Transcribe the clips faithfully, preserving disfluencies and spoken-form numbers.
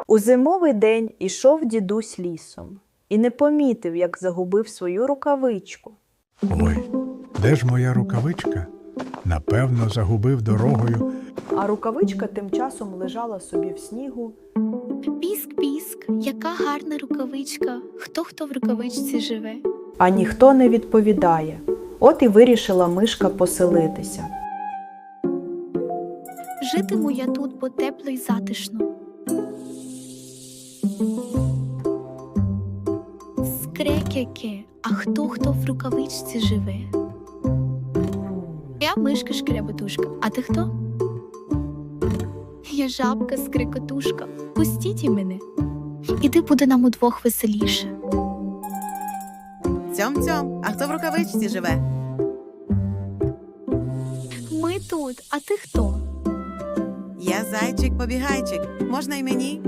У зимовий день ішов дідусь лісом і не помітив, як загубив свою рукавичку. Ой, де ж моя рукавичка? Напевно, загубив дорогою. А рукавичка тим часом лежала собі в снігу. Піск-піск, яка гарна рукавичка. Хто-хто в рукавичці живе? А ніхто не відповідає. От і вирішила мишка поселитися. Житиму я тут, бо тепло й затишно. Скрекяке, а хто-хто в рукавичці живе? Я мишка шкребетушка, а ти хто? Я жабка скрикотушка, пустіть і мене. Іди буде нам удвох веселіше. Цьом-цьом, а хто в рукавичці живе? Ми тут, а ти хто? Я зайчик-побігайчик, можна й мені?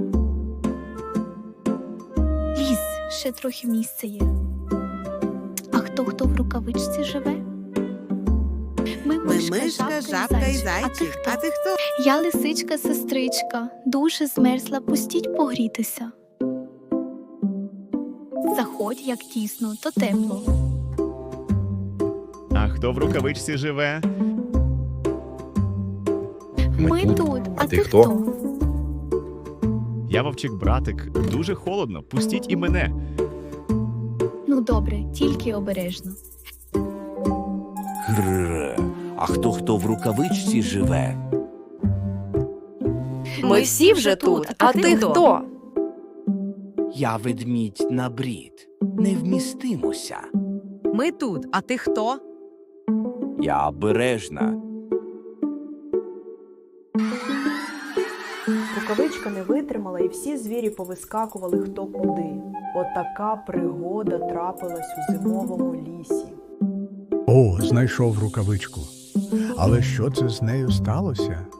Лізь, ще трохи місця є. А хто-хто в рукавичці живе? Ми Ми мишка, жабка і зайчик, а ти хто? Я лисичка-сестричка, дуже змерзла, пустіть погрітися. Заходь, як тісно, то тепло. А хто в рукавичці живе? Ми тут, а ти хто? Я вовчик-братик, дуже холодно, пустіть і мене. Ну добре, тільки обережно. Грррр, а хто-хто в рукавичці живе? Ми всі вже тут, а ти хто? Я ведмідь на брід, не вмістимося. Ми тут, а ти хто? Я обережна. Рукавичка не витримала, і всі звірі повискакували хто куди. Отака пригода трапилась у зимовому лісі. О, знайшов рукавичку. Але що це з нею сталося?